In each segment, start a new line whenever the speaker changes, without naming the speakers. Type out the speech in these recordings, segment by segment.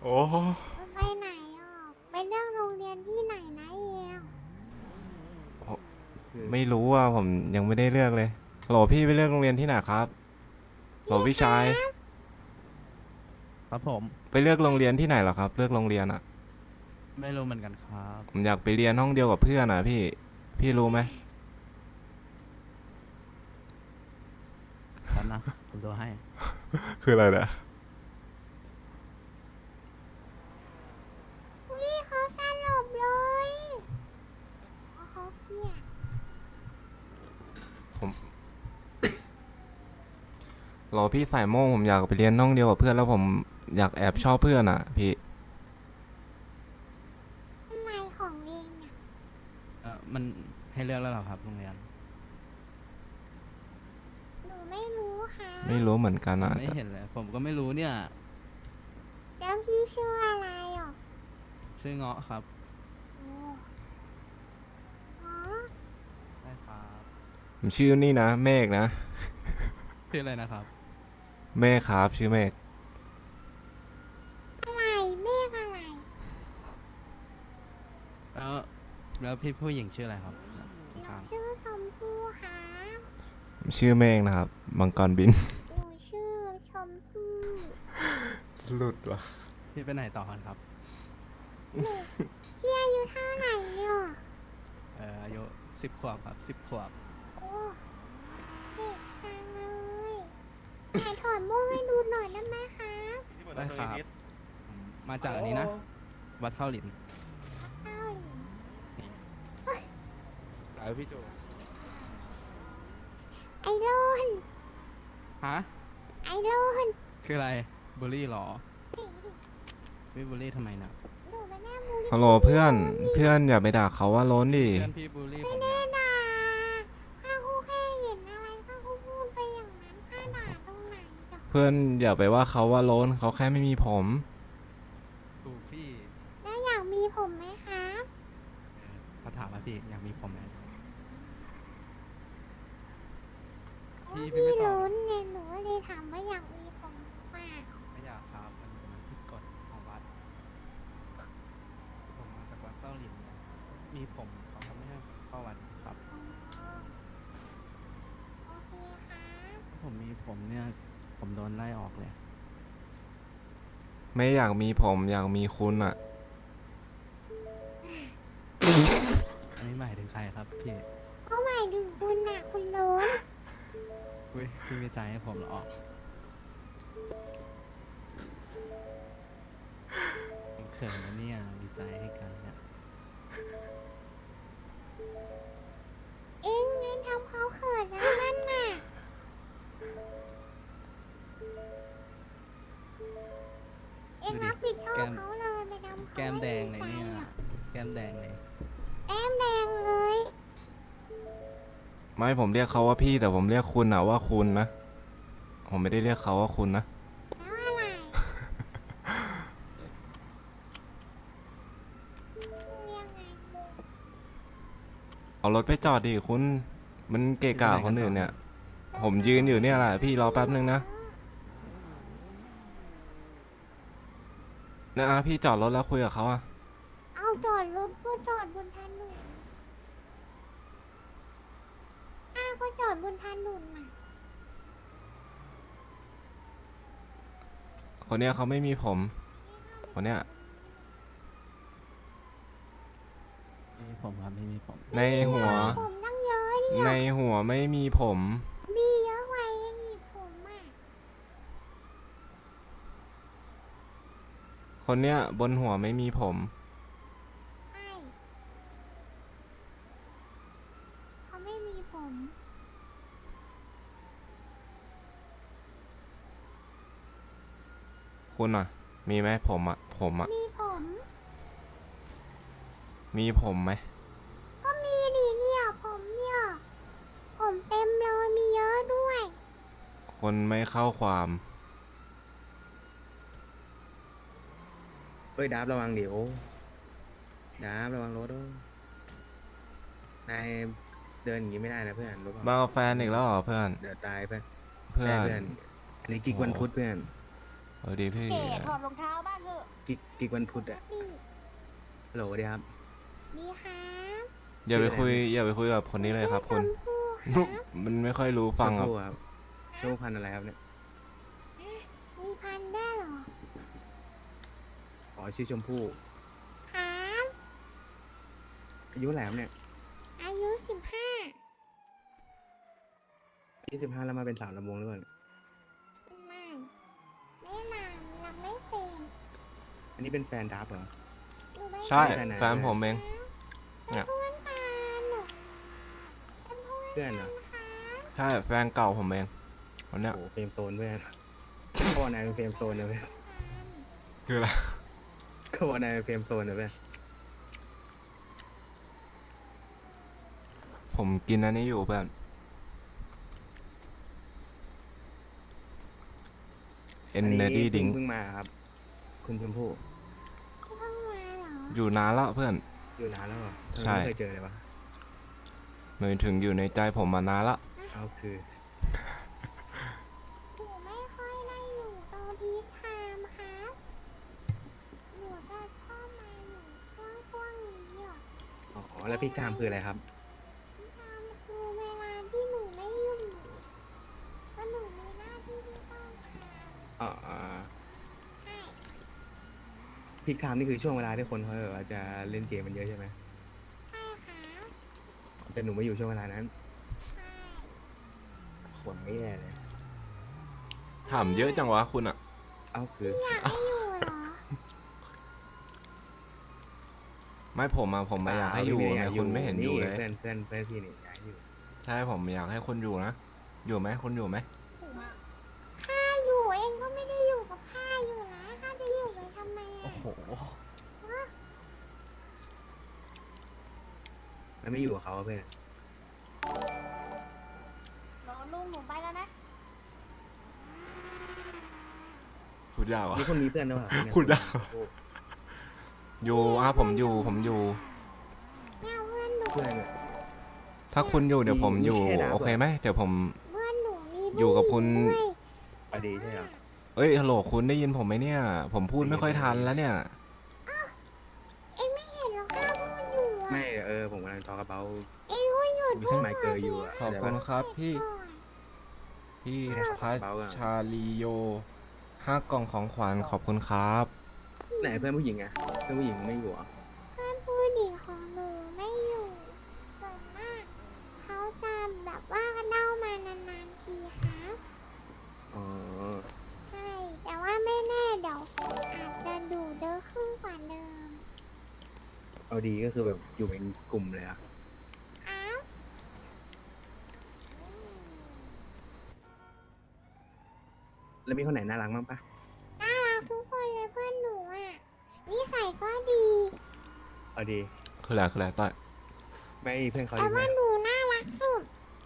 โอ้
มันไปไหนอ่ะไปเรื่องโรงเรียนที่ไหนนะเอล
ไม่รู้อ่ะผมยังไม่ได้เลือกเลยโหลพี่ไปเลือกโรงเรียนที่ไหนครับโหล
พี่ครั
พี่ชาย
บ
ครับผม
ไปเลือกโรงเรียนที่ไหนเหรอครับเลือกโรงเรียนอ่ะ
ไม่รู้เหมือนกันครับ
ผมอยากไปเรียนห้องเดียวกับเพื่อนอ่ะพี่รู้ไหม
แป๊บนะผมดูให้
คืออะไรเนี่ย
พี่เขาสลบเลยโอ้เขาเพี้ย
ผมโหลพี่สายโม่งผมอยากไปเรียนห้องเดียวกับเพื่อนแล้วผมอยากแอบชอบเพื่อนอ่ะพี่
อะไรของเองเนี่ย
มันให้เลือกแล้วเหรอครับโรงเรียน
หนูไม่รู้ค่ะ
ไม่รู้เหมือนกัน
ผม
อ่ะ
ไม่เห็นเลยผมก็ไม่รู้เนี่ย
แล้วพี่ชื่ออะไรอ่ะ
ชื่อเงาะครับ
โอ้อ๋อ
ใช่ครับ
ผมชื่อนี่นะเมฆนะ
ชื่ออะไรนะครับ
เมฆครับชื่อเมฆ
อะไรเมฆอะไร
แล้วแล้วพี่ผู้หญิงชื่ออะไรครับ
หนู
ข้าง
ชื่อชมพู่ครับ
ผมชื่อเมฆนะครับมังกรบิน
หนูชื่อชมพู่
หลุดวะ
ๆพี่ไปไหนต่อกันครับ
พี่อายุเท่าไหร่เนี่ย
อายุ10 ขวบครับ10 ขวบ
โอ้เด็กจังเลยไหนถอดโม่งให้ดูหน่อยได้ไหมคะ
ได้ครับผมมาจากอันนี้นะวัดเส้าหลิน
เต้าหลิน
ไอพี่โจ
ไอโรน
ฮะ
ไอโรน
คืออะไรบูลลี่เหรอไม่บูลลี่ทำไมนะ
หนูไม่ได้มูล
ฮัลโหลเพื่อนเพื่อนอย่าไปด่าเขาว่าโล้นดิ
เพื่อนพี่บูลลี่ผม
ไม่
นะ
ได้ด่าข้าคู่แค่เห็นอะไรข้าคู่พูดไปอย่างนั้นข้าด่าตรงไหนจ้ะ
เพื่อนอย่าไปว่าเขาว่าโล้นเขาแค่ไม่มีผม
ถูกพี่
แล้วอยากมีผมไหมครับ
เขาถามว่าพี่อยากมีผมไหม พี่
พี่
ไม่ตอบ
ลุ้นไงหนูก็เลยถามว่าอยากมีผมหรือเปล่า
ไม่อยากครับมันผิดกฎของวัดผมมาจากวัดเส้าหลินเนี่ยมีผมเขาก็ไม่ให้เข้าวัดครับ
อ๋อโอเคครับ
ถ้าผมมีผมเนี่ยผมโดนไล่ออกเลย
ไม่อยากมีผมอยากมีคุณอ่ะ
อันนี้หมายถึงใครครับพี่
เขาหมายถึงคุณน่ะคุณลุ้น
อุ้ยพี่มีใจให้ผมเหรอผมเขินนะเนี่ยมีใจให้กันเนี่ย
เอ็งไงทำเขาเขินแล้วนั่นน่ะเอ็งรับผิดชอบเขาเลยไปทำเขา
แก้มแดงเลย
ไม่
เนี่ย
ดีใจอะ
แก้มแดงเลย
แก้มแดงเลย
ไม่ผมเรียกเขาว่าพี่แต่ผมเรียกคุณอ่ะว่าคุณนะผมไม่ได้เรียกเขาว่าคุณนะ
แล้วอะไรเรียกไง
เอารถไปจอดดิคุณมันเกะกะคนอื่นเนี่ย ผมยืนอยู่เนี่ยแหละพี่รอแป๊บนึงนะนะพี่จอดรถแล้วคุยกับเขาอ่ะ
เอาจอดรถก็จอดบนถนนอ้าก็จอดบนถนนน่ะ
คนเนี้ยเขาไม่มีผมคนเนี้ย
ไม่มีผมครับไม่มีผม
ในหัว
ผมตั้งเยอะเนี่ย
ในหัวไม่มีผม
มีเยอะกว่าเองอีกผมอ่ะ
คนเนี้ยบนหัวไม่มีผม
ใช่เขาไม่มีผม
คุณอ่ะ มีไหมผมอ่ะผมอ่ะ
มีผม
มีผมไหม
ก็มีดิเนี่ยผมเนี่ยผมเต็มเลยมีเยอะด้วย
คนไม่เข้าความ
เฮ้ยดับระวังเดี๋ยวดับระวังรถด้วยนายเดินอย่างนี้ไม่ได้นะเพื่อนรู้เป
มา
ล่า
กับแฟนอีกแล้วเหรอเพื่อน
เดี๋ยวตายเพื่อน
เพื่อ
ใช่
น
เพื่อนอันนี้กิกวันพุธเพื่อน
เอาดีพี่
เก๋ถอดรองเท้าบ้างเถอะ
กิกวันพุธอะ
พี่
ฮัลโหลดีครับ
ดีครับ
อย่าไป
ชื่ออะไร
คุยอย่าไปคุยกับคนนี้เลยครับคุณ
ชมพู่ครับ
มันไม่ค่อยรู้ฟังครับ
ชมพู่ครับชมพู่พันธุ์อะไรครับเนี่ย
มีพันธุ์ด้วยเหรอ
อ๋อชื่อชมพู่
ครับ
อายุเท่าไหร่ครับเนี่ย
อายุ15
25แล้วมาเป็นสาวลำวงหรือเปล่าเนี่ย
ไม่นานยังไม่เป็น
อันนี้เป็นแฟนดับเหรอ
หนูไม่
ใช่
แฟนไหน
แฟนผมเอง
เป็นเพื่อนกันหนูเป็นเพื่อน
เพื่อนเหรอ
ค่ะ
ใช่แฟนเก่าผมเองคนเนี้ย
โอ้โหเฟรมโซนเพื่อนเขาบอกนายเป็นเฟรมโซนนะเพื่อน
คืออะไร
เขาบอกนายเป็นเฟรมโซนนะเพื่อน
ผมกินอันนี้อยู่เพื่อนเอ็นเนอร์ดี้ดิง
เพิ่งมาครับ คุณชมพู่
เพิ่งมาเหรอ
อยู่นานแล้วเพื่อน
อยู่นานแล้วเหรอทำไม
ใช่
ไม่เคยเจอเลยวะ
หมายถึงอยู่ในใจผมมานานละ
เอาคือ
หนูไม่ค่อยได้อยู่ตรงพีคไทม์ครับหนูจะชอบมาอยู่ช่วงนี้อ่ะ
อ๋อแล้วพี่กามคืออะไรครับ
พีคไทม์คือเวลาที่หนูไม่อยู่เพราะหนูมีหน้าที่ที่ต้องทำ
อ๋อ
ใช่
พี่กามนี่คือช่วงเวลาที่คนเขาแบบว่าจะเล่นเกมมันเยอะใช่ไหม
ใช่ครับ
แต่หนูไม่อยู่ช่วงเวลานั้น
ใช่
ขวงไม่แย่เลย
ถามเยอะจังวะคุณอะ
เอาคือ
อยากให้อยู่เหรอ
ไม่ผมอะผมไม่อยากให้อยู่ไงคุณไม่เห็นอยู่เลย
เพื่อนพี่นี่อยากให้อยู่
ใช่ผมอยากให้คนอยู่นะ อยู่ไหมคนอยู่ไหม
ข้าอยู่เองก็ไม่ได้อยู่กับข้าอยู่นะข้าจะอยู่ไปทำไม
โอ้
อ่ะ
โห
แล้วไม่อยู่กับเขาอะเพื่อน
รอลุงหนูไปแล้วนะ
พูดยากวะ
นี่คนมีเพื่อนหรือเปล่าเนี่ย
พูดได้
โอ้
อยู่ผมอยู่
เนี่ยเพื่อนหนู
เพื่อนเนี่ย
ถ้าคุณอยู่เดี๋ยวผมอยู่
มีแค่ดาว
โอเคไหมเดี๋ยวผม
เพื่อนหนูมี
อยู่กับคุณ
ผู้หญิงด้วย
อดีใช่เหรอ
เอ้ยฮัลโหลคุณได้ยินผมไหมเนี่ย ผมพูดไม่ค่อยทันแล้วเนี่ย
เองไม่เห็นหรอกข้าพูดอยู่อ่ะ
ไม่ผมกำลังทอกระเป๋า
เองก็หยุด
วิสไมเกอร์อยู่อะ
ขอบคุณครับพี่
ก่อน
พี่
ไม่ได้
พัช
เบาอะ
ชาลีโย5 กล่องของขวัญขอบคุณครับ
ไหนเพื่อนผู้หญิงอะเพื่อนผู้หญิงไม่อยู่เหรอ
เพื่อนผู้หญิงของหนูไม่อยู่ส่วนมากเขาจะแบบว่าเล่ามานานๆทีครับ
อ๋อ
ใช่แต่ว่าไม่แน่เดี๋ยวอาจจะดูเยอะขึ้นกว่าเดิม
เอาดีก็คือแบบอยู่เป็นกลุ่มเลยอะ
อ้าว
แล้วมีคนไหนน่ารักบ้างปะ
น่ารักทุกคนเลยเพื่อนหนูอ่ะนิสัยก็ดี
เอาดี
คืออะไรต้อย
ไม่เพื่อนเขา
แต่
ดีไหม
ว่าหนูน่ารักสุด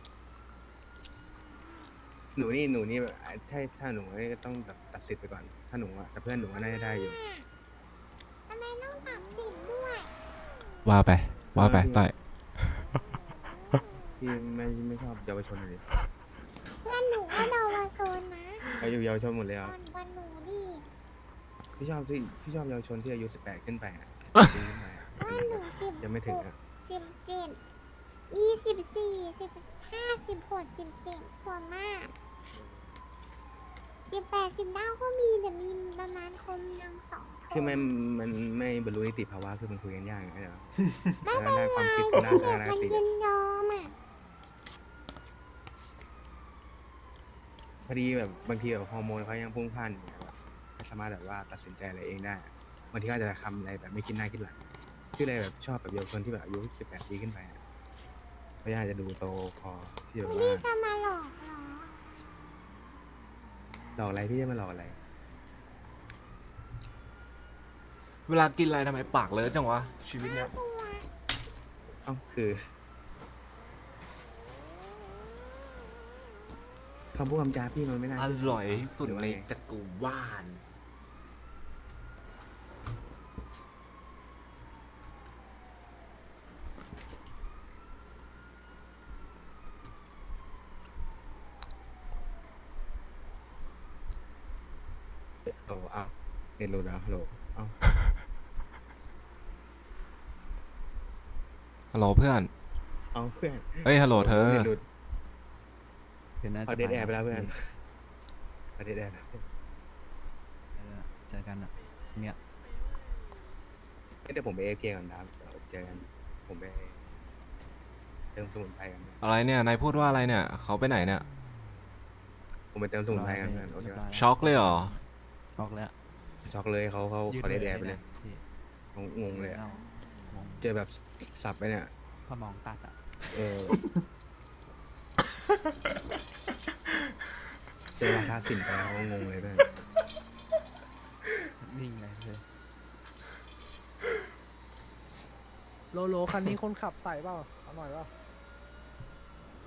หนูนี่แบบถ้าหนูนี่ก็ต้องแบบตัดสิทธิ์ไปก่อน ถ้าหนูอะแต่เพื่อนหนูก็น่าจะได้อยู่
ทำไมต้องตัดสินด้วย
ว่าไปต้อย
พี่ไม่ชอบเยาวชนเลย
เพื่อนหนูก็เดาวาโซนนะ
เขาอยู่เยาวชนหมดเลย
ก่
อ่ะ
อนวันหนูดิ
พี่ชอบเยาวชนที่อายุ18ขึ้นไปอ่ะปีขึ้นไปอะ
เพื่อนหนู10
ยังไม่ถึงอ่ะ
17 24 15 16 17ส่วนมาก18 19ก็มีแต่มีประมาณคนยัง2 คน
คือมันไม่บรรลุนิติภาวะคือมันคุยกันยากไงเหรอ
ไม่เป็น
ด้าน
ไร
ความคิด
คุ
กับ
ย
ด้าน
กั
ทัศน
น
คติ
ยินยอมอ่ะ
พอดีแบบบางทีแบบฮอร์โมนเขายังพุ่งพล่านอยู่แบบไม่สามารถแบบว่าตัดสินใจอะไรเองได้อะบางทีก็อาจจะทำอะไรแบบไม่คิดหน้าคิดหลังคือเลยแบบชอบแบบเยาวชนที่แบบอายุ18 ปีขึ้นไปอะเพราะอยากจะดูโตพอที่แบบ
พี่
ว่า
จะมาหลอกเหรอ
หลอกอะไรพี่จะมาหลอกอะไร
เวลากินอะไรทำไมปากเลอะจังวะชีวิตเนี้ย
ตัว
เอ้าคือคำพูดคำจาพี่มันไม่น่า
อร่อยที่สุดในจักรวาล
โหลอ้าวเน็ตหลุดเหรอฮัลโหลอ้าว
ฮัลโหลเพื่อน
เอาเพื่อน
เฮ้ยฮัลโหลเธอ
น็ตหลุด
เดี๋ยวน่า
เขา
จะ
เดทแอร์ไปแล้วเพื่อนเขาเดทแอร์
เจอกันอ่ะเนี่ย
เดี๋ยวผมไปเอฟเกก่อนนะครับเดี๋ยวเจอกันผมไปเติมสมุนไพรกันนะ
อะไรเนี่ยนายพูดว่าอะไรเนี่ยเขาไปไหนเนี่ย
ผมไปเติมสมุนไพรกันเพื่อนโอเค
รียบ
ปะ
ร้ย
ช็อกเลยเหรอ
ช็อกแล้ว
ช็อกเลยเขา
ยืด
เขาเดทแอร์ไปเลย
พี่
เขางงเลยอะ
อางง
เจอแบบสับไปเนี่ย
พอมองตัดอ่ะ
เออ เจอวาทศิลป์ไปเขางงเลยเพื่อน
นิ่งเลยเลย
โลคันนี้คนขับใส่เปล่าเอาหน่อยเปล่า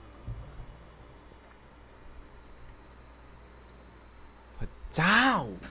เจ้า